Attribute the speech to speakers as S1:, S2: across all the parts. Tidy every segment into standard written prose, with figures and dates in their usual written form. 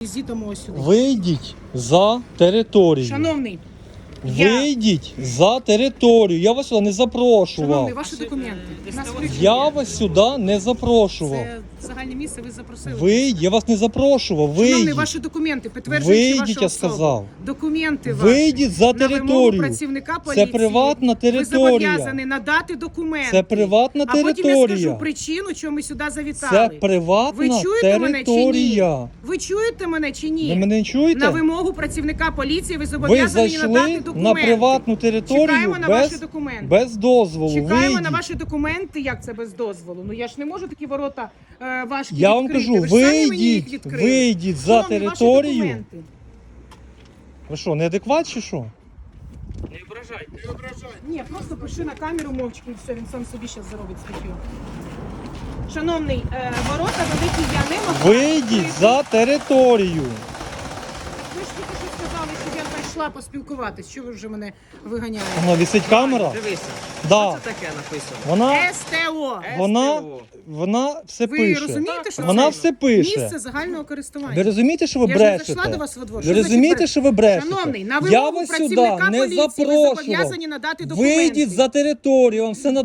S1: Візитом сюди.
S2: Вийдіть за територію.
S1: Шановний,
S2: Вийдіть за територію. Я вас сюди не запрошував.
S1: шановний, ваші документи. Нас
S2: Я вас сюди не запрошував.
S1: Це загальне місце, ви запросили.
S2: Вийдіть, я вас не запрошував.
S1: Шановний,
S2: Вийдіть.
S1: ваші документи, підтверджуючи
S2: Вийдіть,
S1: вашу
S2: я
S1: особу.
S2: сказав.
S1: Документи ваші.
S2: Вийдіть за
S1: На вимогу
S2: територію.
S1: працівника поліції.
S2: Це приватна
S1: Ви
S2: територія.
S1: зобов'язані надати документи.
S2: Це приватна
S1: А потім я
S2: територія.
S1: скажу причину, чому ми сюди завітали.
S2: Це приватна
S1: Ви чуєте мене чи
S2: територія.
S1: ні? Ви чуєте мене чи ні?
S2: Ви мене не чуєте?
S1: На вимогу працівника поліції ви
S2: Ви
S1: зобов'язані надати
S2: зайшли
S1: документи.
S2: на приватну територію
S1: Чекаємо на ваші документи.
S2: без дозволу.
S1: Чекаємо
S2: Вийдіть.
S1: на ваші документи, як це без дозволу. Ну я ж не можу такі ворота важкі
S2: Я вам
S1: відкрити.
S2: кажу,
S1: Ви ж самі мені їх
S2: вийдіть,
S1: відкрили.
S2: вийдіть за
S1: Шановні, ваші
S2: територію.
S1: документи.
S2: Ви що, неадекват чи що?
S3: Не ображайте. Не ображайте.
S1: Ні, просто пиши на камеру мовчки і все, він сам собі зараз заробить статтю. Шановний, ворота великі я не можу.
S2: Вийдіть за територію.
S1: Ви ж тільки що сказали, що я прийшла поспілкуватись. Що ви вже мене виганяєте?
S2: Воно висить камера?
S3: Дивися.
S2: Да.
S3: Що це таке написано?
S2: Вона,
S1: СТО.
S2: вона все
S1: Ви
S2: пише.
S1: розумієте, що
S2: Вона
S1: це
S2: все пише.
S1: місце загального користування?
S2: Ви розумієте, що ви
S1: Я ж не
S2: брешете?
S1: зайшла до вас во двор.
S2: Ви
S1: Що значить
S2: розумієте, що ви брешете?
S1: Шановний, на
S2: Я
S1: вимогу
S2: вас сюди
S1: працівника
S2: не
S1: поліції ви
S2: запрошував.
S1: зобов'язані надати документи.
S2: Вийдіть за територію, вам все на...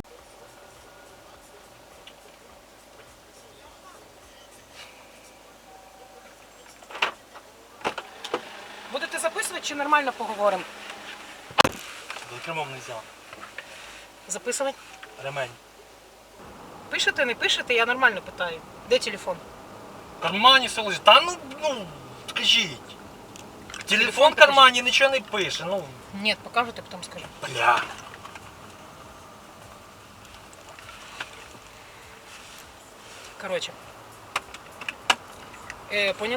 S1: Будете записувати чи нормально поговоримо?
S2: За кермом не взяв.
S1: Записувати?
S2: Ремень.
S1: Пишете, не пишете, я нормально питаю. Де телефон?
S2: В кармані все лежить. Та скажіть. Телефон в кармані нічого не пише,
S1: Ні, покажете, потім скажу.
S2: бля.
S1: Коротше. Поняли?